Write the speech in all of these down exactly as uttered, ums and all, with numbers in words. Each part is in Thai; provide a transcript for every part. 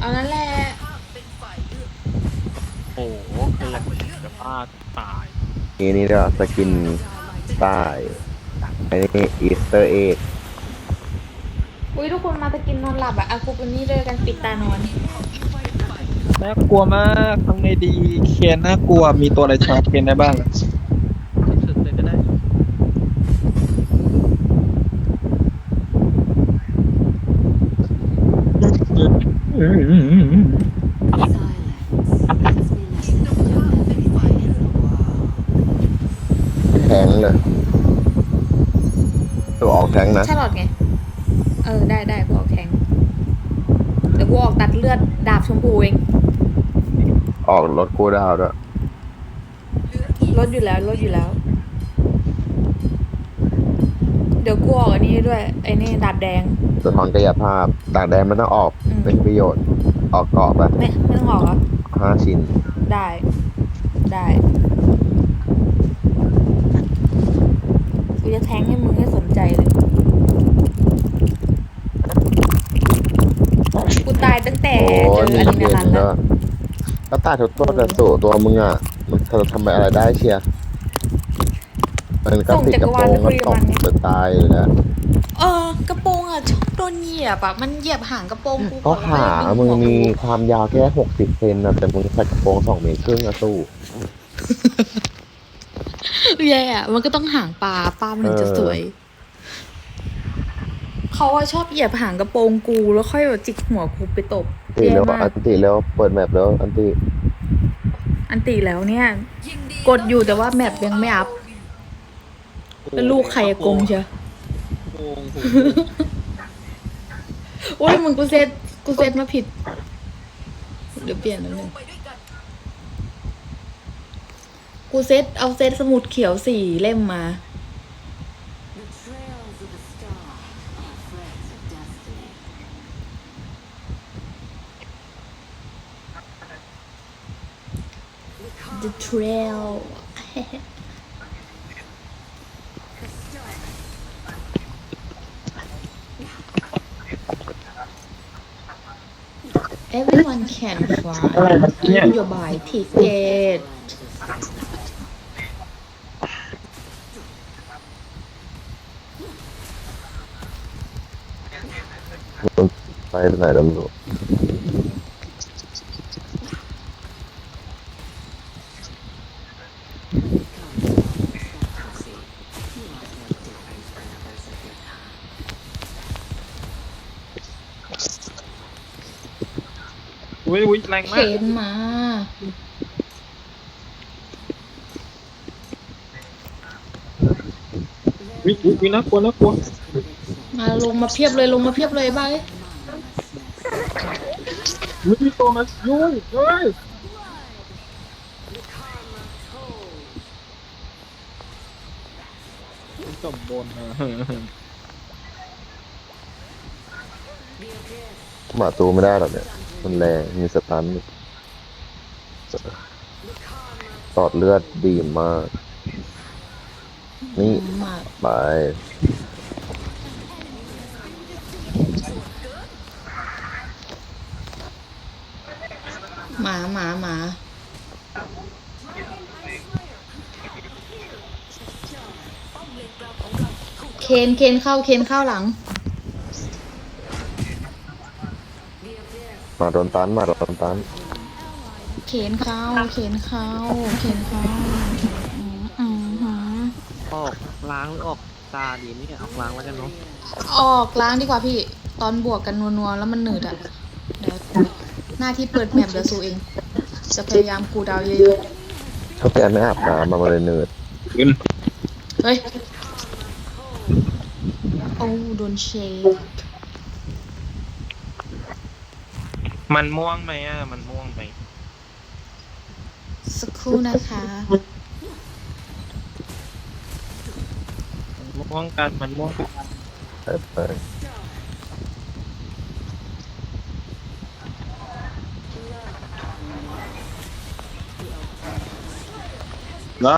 เอานั่นแหละโอ้โหเกินจะพลาดตายนี่นี่ก็สกินใต้อันนี้อีสเตอร์เอ็กอุ้ยทุกคนมาตะกินนอนหลับอะเอากูเป็นนี่เลยกันปิดตานอนน่ากลัวมากทำไงดีเคนน่ากลัวมีตัวอะไรชาร์จเคนได้บ้างสุดเลยก็ได้แทงเลยตัวออกแทงนะชาลอตไงเออได้ได้กูออกแทงเดี๋ยวกูออกตัดเลือดดาบชมพูเองออกรถกูดาวด้วยลดอยู่แล้วลดอยู่แล้ว เดี๋ยวกูออกอันนี้ด้วยไอ้นี่ดาบแดงสะท้อนกายภาพต่างแดนมันต้องออกเป็นประโยชน์ออกเกาะไปไม่ไม่ต้องออกเหรอห้าชิ้นได้ได้กูจะแทงให้มึงให้สนใจเลยกูตายตั้งแต่เจออะดรีนาลันแล้วก็ตายทุกตัวแต่สู่ตัวมึงอ่ะมันเธอทำอะไรได้เชียร์มันก็ติดกระโปรงก็ตกจะตายอยู่แล้วเออกระโปรงอ่ะชอบโดนเหยียบอ่ะมันเหยียบหางกระโปรงกูก็ขามึงมีความยาวแค่หกสิบเซนนะแต่มึงใส่กระโปรงสองเมตรครึ่งอะสู้แย่อะมันก็ต้องหางปลาปลามันถึงจะสวยเขาว่าชอบเหยียบหางกระโปรงกูแล้วค่อยแบบจิกหัวกูไปตบตีแล้วอันตีแล้วเปิดแมปแล้วอันตีอันตีแล้วเนี่ยกดอยู่แต่ว่าแมปยังไม่อัพแล้วลูกใครกงเชียวโอ้ยมึงกูเซตกูเซตมาผิดเดี๋ยวเปลี่ยนนิดนึงกูเซตเอาเซตสมุดเขียวสี่เล่มมาThe Trail Everyone can fly your buy ticket ไปไหนแล้วลูกอุ้ยอุ้ยแรงมากเข็นมาอุ้ยอุ้ยน่ากลัวน่ากลัวมาลงมาเพียบเลยลงมาเพียบเลยบ้าอุ้ยมีตัวมายุ่ยเฮ้ยจบบนนะมาตูไม่ได้หรอกเนี่ยมันแรงมีสตันตอดเลือดดีมากนี่ไปหมาหมาหมาเคนเคนเข้าเคนเข้าหลังมาโดนตันมาโดนตันเข็นเข้าเข็นเข้าเข็นเข้าอืมอืมหืมออกล้างหรือออกตาดีนี่ออกล้างแล้วกันเนาะออกล้างดีกว่าพี่ตอนบวกกันนัวๆแล้วมันหนืดอ่ะเดี๋ยวหน้าที่เปิดแมปเดี๋ยวสู้เองจะพยายามคูลดาวน์เยอะๆเขาแกไม่อาบน้ำมาเลยเนืดเฮ้ยโอ้โดนเชคมันม่วงไหมอ่ะมันม่วงไหมสักครู่นะคะมันม่วงกันมันม่วงกันไปไปได้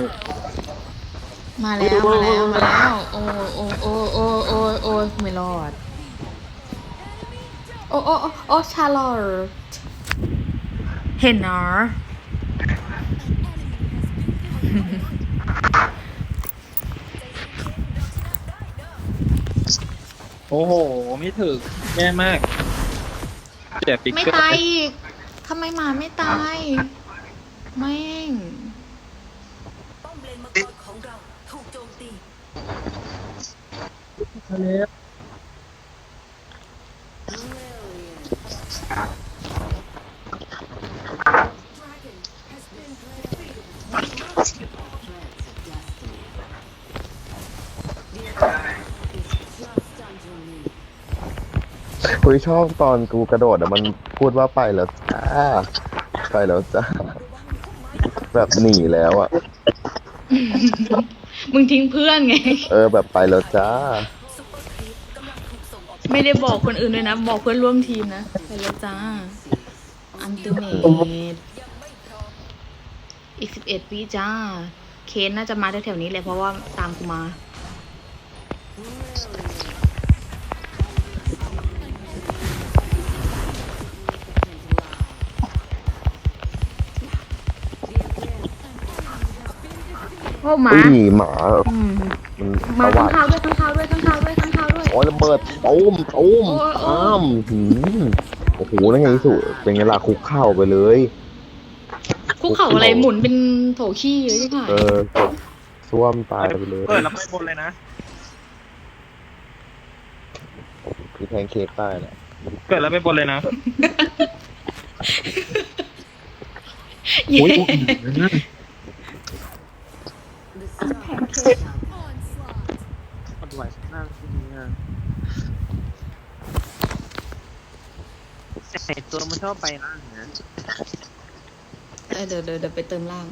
มาแล้วมาแล้วมาแล้วโอ้โอ้โอ้โอ้โอ้โอ้ไม่รอดโอ้โอ้โอ้โอ้ชาลอตเห็นเนาะโอ้โหไม่ถึงแย่มากเจ็บปิกไม่เกอร์ตายอีกทำไมหมาไม่ตายแม่งป้อมเลนมังกรของเราถูกโจมตีคุยชอบตอนกูกระโดดอะมันพูดว่าไปแล้วจ้าไปแล้วจ้าแบบหนีแล้วอะมึงทิ้งเพื่อนไงเออแบบไปแล้วจ้าซุปเปอร์ครีปกำลังถูกส่งออกไม่ได้บอกคนอื่นด้วยนะ บอกเพื่อนร่วมทีมนะ ไปแล้วจ้า อันติเมตยังไม่พร้อมอีกสิบเอ็ดวิจ้า เคนน่าจะมาแถวๆนี้เลยเพราะว่าตามกูมา โอ้หมาอุ้ยหมาอืมมันมาตะข้างวัดคาวด้วยข้างคาวด้วยข้างคาวด้วยข้างคาวด้วยโอ้ยระเบิดตูมตูมโอ้ยโอ้ยอ้ามหืมโอ้โหนั่นไงสุเป็นไงล่ะคุกเข่าไปเลยคุกเข่าอะไรหมุนเป็นโถขี้เลยใช่ไหมเออซ่วมตายไปเลยเปิดแล้วไปบนเลยนะพี่แพนเค้กตายแหละเกิดแล้วไปบนเลยนะเย้อุ้ย ปัดไหวนั่งที่นี่อ่ะแต่ตัวมันชอบไปล่างนะเออเดี๋ยวเดี๋ยวเดี๋ยวไปเติมล่าง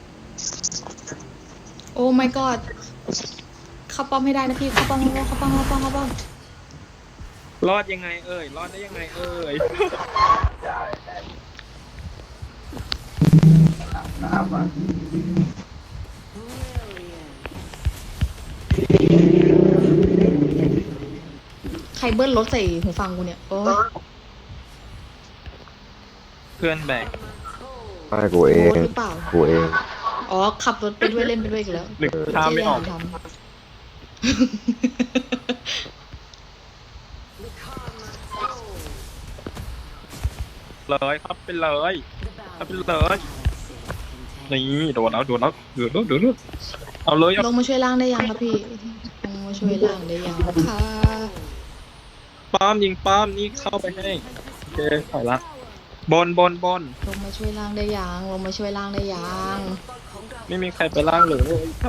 โอ้ my god เข้าป้อมให้ได้นะพี่เข้าป้อมเข้าป้อมเข้าป้อมเข้าป้อมรอดยังไงเอ่ย รอดได้ยังไงเอ่ยใครเบิ้ลรถใส่หูฟังกูเนี่ยโอ้ยเพื่อนแบกไม่กูเอโอ้งหรือเปล่ากูเองอ๋อ ขับรถไปด้วยเล่นไปด้วยอีกแล้วหนึ่งทามไม่ออกเจ๊ทเลยครับไปเลยครับไปเลยนี่โดนแล้วโดนแล้วโดนแล้วโดนแล้วเอาเลยำเอาลงมาช่วยล่างได้ยังครับพี่ลงมาช่วยล่างได้ยังค่ะป้อมยิงป้อมนี่เข้าไปให้โอเคถอยละบนบนบนลงมาช่วยล่างได้ยังลงมาช่วยล่างได้ยังไม่มีใครไปล่างเลย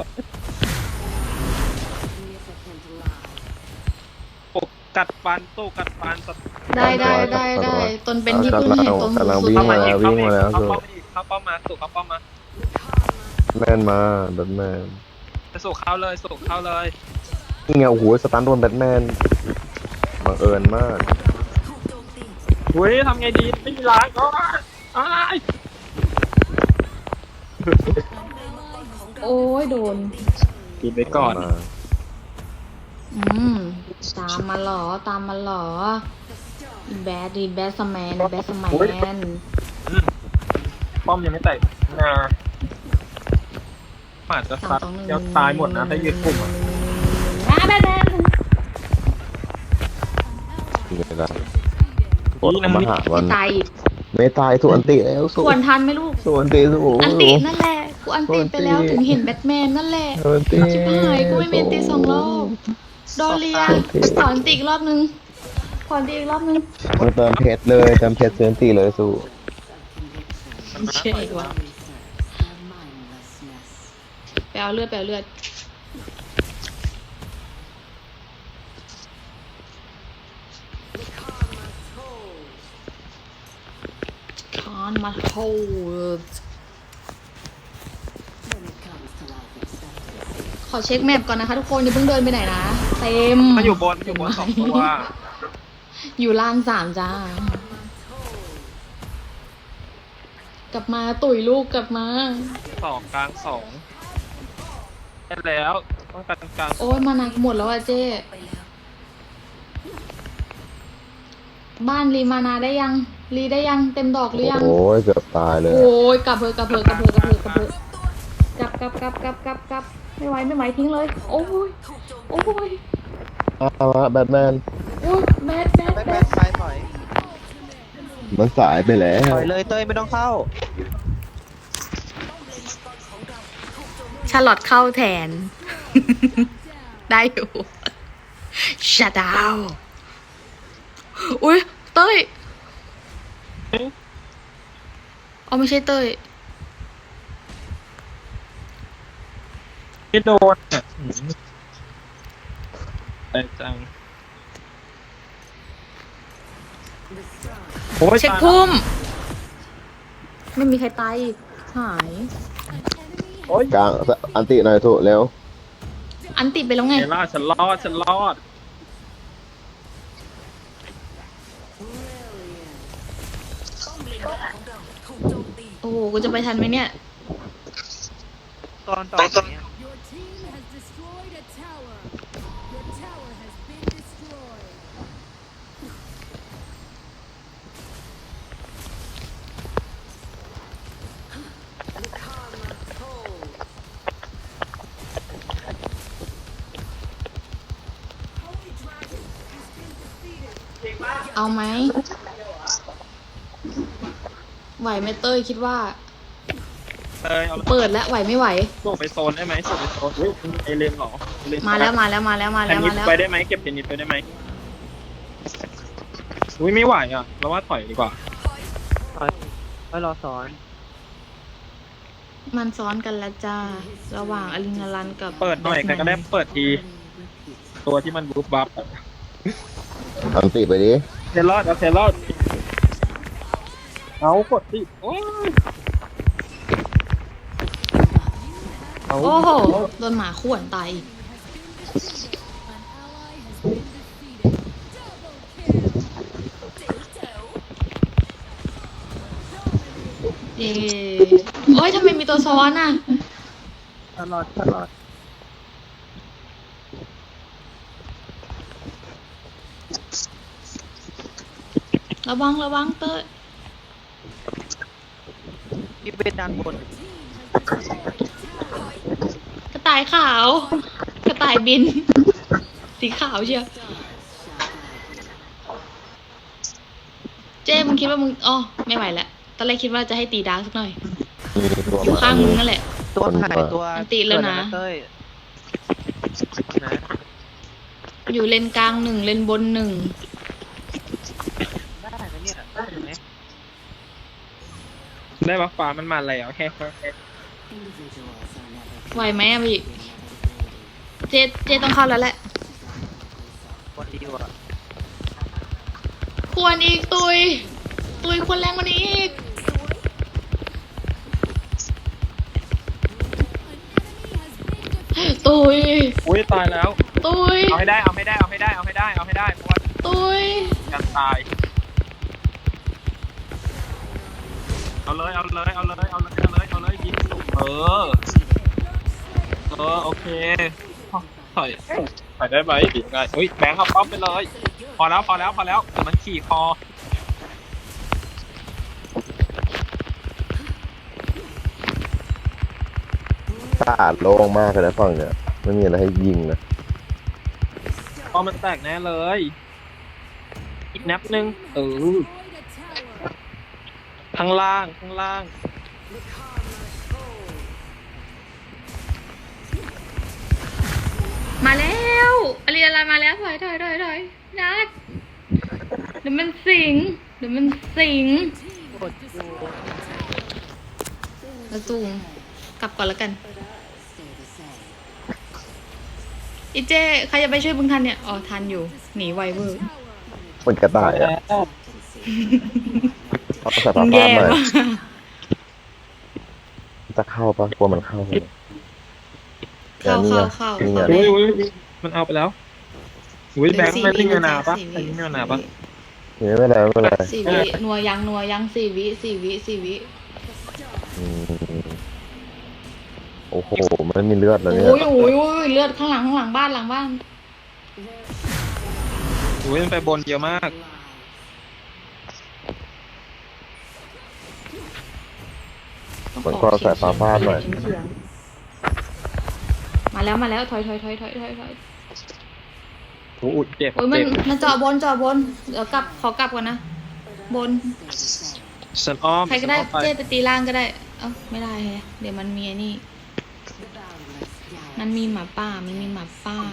โอ้กัดฟันตู้กัดฟันสัตว์ได้ได้ได้ได้ตนเป็นที่พึ่งแห่งตนกำลังสุดวิ่งเข้ามามาอีกวิ่งมาแล้วเข้าสุป้อมอีกเข้าป้อมมาสู่เข้าป้อมมาแม่นมาแบทแมนจะสู่เข้าเลยสู่เข้าเลยนี่ไงโอ้โหสตันโดนแบทแมนบังเอิญมากถูกโจมตีเฮ้ยทำไงดีไม่มีล้างก็อ้ายโอ้ยโดนกินไปก่อนมาอืมตามมาเหรอตามมาเหรออีแบดดีแบดสแมนแบดสแมนอืมป้อมยังไม่แตกนะอาจจะสาซัมดสองหนึ่งเดี๋ยวตายหมดนะถ้ายืดกลุ่มอะอ่ะแบดแบดนี่ไงล่ะกดเข้ามาหาวัไม่นตายอีกไม่ตายส่วนตีแล้วส่ควรทันไหมลูกส่วนตีสู้อันตินั่นแหละกูอันติไปแล้วถึงเห็นแบทแมนนั่นแหละส่วนตีชิบหายกูไม่มีอันติสองรอบโดเรียขออันติอีกรอบนึงขออันติอีกรอบนึงมาเติมเพชรเลยเติมเพชรส่วนตีเลยสู้เชื่ออีกว่าไปเอาเลือดไปเอาเลือดคานมาโฮดขอเช็คแมปก่อนนะคะทุกคนอย่าเพิ่งเดินไปไหนนะเต็มมันอยู่บนอยู่บนสองตัวอยู่ล่างสามจ้า กลับมาตุ๋ยลูกกลับมาสองกลางสองได้แล้วต้องการกลางโอ้ยมานักหมดแล้วอะเจ๊ไปแล้วบ้านรีมานาได้ยังรีได้ยังเต็มดอกหรือยังโอ้ยเกือบตายเลยโอ้ยกลับเพอกลับเพอกลับเพอกลับเพอกลับเพอกลับกลับกลับกลับกลับกลับไม่ไหวไม่ไหวทิ้งเลย โอ้ยโอ้ยเอาละแบทแมนโอ้ยแบดแบดแบทแบแมดนไปถอยมันสายไปแล้วถอยเลยเต้ยไม่ต้องเข้าชาลอตเข้าแทน ได้อยู่ชัดดาวอุ้ยเต้ยเอาไม่ใช่เต้ยไม่โดนอ่ะอืมไอ้จังโอ้ยเช็คตายแล้วพุ่ม ไม่มีใครตายอีกหายโอ้ยกลางอันติหน่อยถูกเร็วอันติดไปแล้วไงเอล่าฉันรอดฉันรอดป้อมเลนมังกรของเราถูกโจมตีโอ้โหกูจะไปทันไหมเนี่ยตอนต่อเนี่ย Your team has destroyed a tower. Your tower has been destroyed. เอาไหมไหวไหมเต้ยคิดว่าเอยเอาเปิดแล้วไหวไม่ไหวส่งไปโซนได้ไหมส่งไปโซนอุ้ยเอเลนเหรอเอเลนมาแล้วมาแล้วมาแล้วมาเทแล้วนนิมาสแล้วไปได้ไหมเก็บเทนนิสไปได้ไหมอุ้ยไม่ไหวอ่ะเราว่าถอยดีกว่าถอยไว้รอสอนมันซ้อนกันแล้วจ้า ระหว่างอลินารันกับเปิดหน่อยใครก็ได้เปิดทีตัวที่มันบูบบับอะอันติไปดิเทรอดเอาเทรอดเอากดสิโอ้ยเอาโอ้โหโดนหมาข่วนตายอีก เย้โอ้ยทำไมมีตัวซ้อนอ่ะตลอดตลอดระวังระวังเต้ยพี่เบนด้านบนกระต่ายขาว กระต่ายบิน สีขาวเชียวเจ้มึงคิดว่ามึงอ๋อไม่ไหวแล้วตอนแรกคิดว่าจะให้ตีดาร์กสักหน่อยมีตัวอยู่มาข้างมึงนั่นแหละตัวหายตัวอันติแล้วนะเต้ยนะอยู่เลนกลางหนึ่งเลนบนหนึ่งได้นะเนี่ยได้ไหมได้บัฟฟ้ามันมาแล้วแค่แค่ไหวไหมอะพี่ เจเจต้องเข้าแล้วแหละคนดีว่ะควรอีกตุย ตุยควรแรงกว่านี้อีก ตุยอุ้ยตายแล้วตุยเอาให้ได้เอาให้ได้เอาให้ได้เอาให้ได้เอาให้ได้เพราะว่าตุยการตายเอาเลยเอาเลยเอาเลยเอาเลยเอาเลยเอาเลยยิงเออเออโอเคถอยถอยได้ไหมดีไงอุ้ยแบงค์เอาป๊อปไปเลยพอแล้วพอแล้วพอแล้วเดี๋ยวมันขี่คอสะอาดโล่งมากเลยนะฝั่งเนี่ยไม่มีอะไรให้ยิงนะพอมันแตกแน่เลย อีกนับหนึ่งเออ ข้างล่างข้างล่างมาแล้วอลีอะไรมาแล้วถอยถอยถอยถอยนัดเดี๋ยวมันสิง เดี๋ยวมันสิงกดอยู่แล้วจูงกลับก่อนแล้วกันอีเจใครจะไปช่วยบึงทันเนี่ย อ๋อ ทันอยู่ หนีไวเวอร์มันกระต่ายอ่ะเอาใส่มึผ้างแย่ป้าหน่อยมากจะเข้าปะกลัวมันเข้าไหมเข้านี่เข้าไงเข้านี่ไงเข้าอุ้ได้ยอุ้ยมันเอาไปแล้วอุ้ยแบงค์ไม่ได้เงินนาปะไม่ได้เงินนาปะนี่ไม่เป็นไรไม่เป็นไรสี่วินัวยังนัวยังสี่วิสี่วิสี่วิอืมโอ้โหมันมีเลือดแล้วเนี่ยโอ้ยโอ้ยโอ้ยเลือดข้างหลังข้างหลังบ้านหลังบ้านอุ้ยมันไปบนเยอะมากมันก็สายฟ้าฟาดหน่อยเฉียงๆมาแล้วมาแล้วถอยถอยถอยถอยถอยถอยโอ้ยเจ็บโอ้ยมันเจ็บมันเจาะบนเจาะบนเดี๋ยวกลับขอกลับก่อนนะบนฉันอ้อมใครก็ได้ฉันอ้อมเจ๊ไปตีล่างก็ได้ เอ้าไม่ได้แฮะเดี๋ยวมันมีไอ้นี่ มันมีหมาป่า มันมีหมาป่า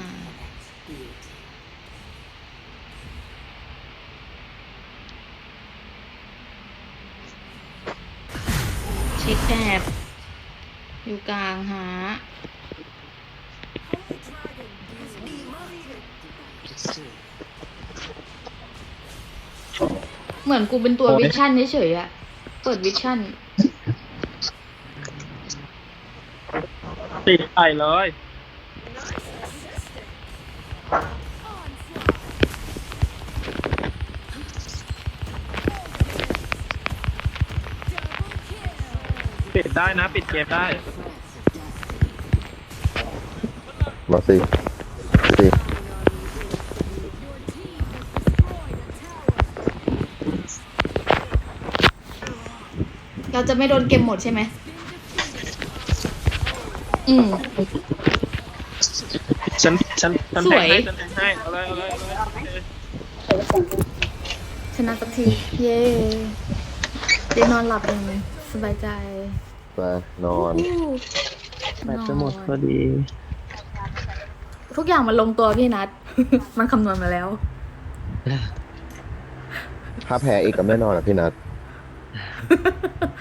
เช็คแอบอยู่กลางหา เหมือนกูเป็นตัววิชั่นเฉยๆอะเปิดวิชั่นติดไอเลย ปิดได้นะ ปิดเกมได้มาสิสิเราจะไม่โดนเกมหมดใช่ไหม อืมฉัน ฉัน ฉันสแทวงยให้ ฉันแทงให้ เอาเลย เอาเลย เอาเลยโอเคชนะสักที เย้ได้นอนหลับอย่างสบายใจไปนอนอู้แบตจะหมดพอดีทุกอย่างมันลงตัวพี่นัท มันคำนวณมาแล้วถ้าแพ้อีกก็ไม่นอนอ่ะพี่นัท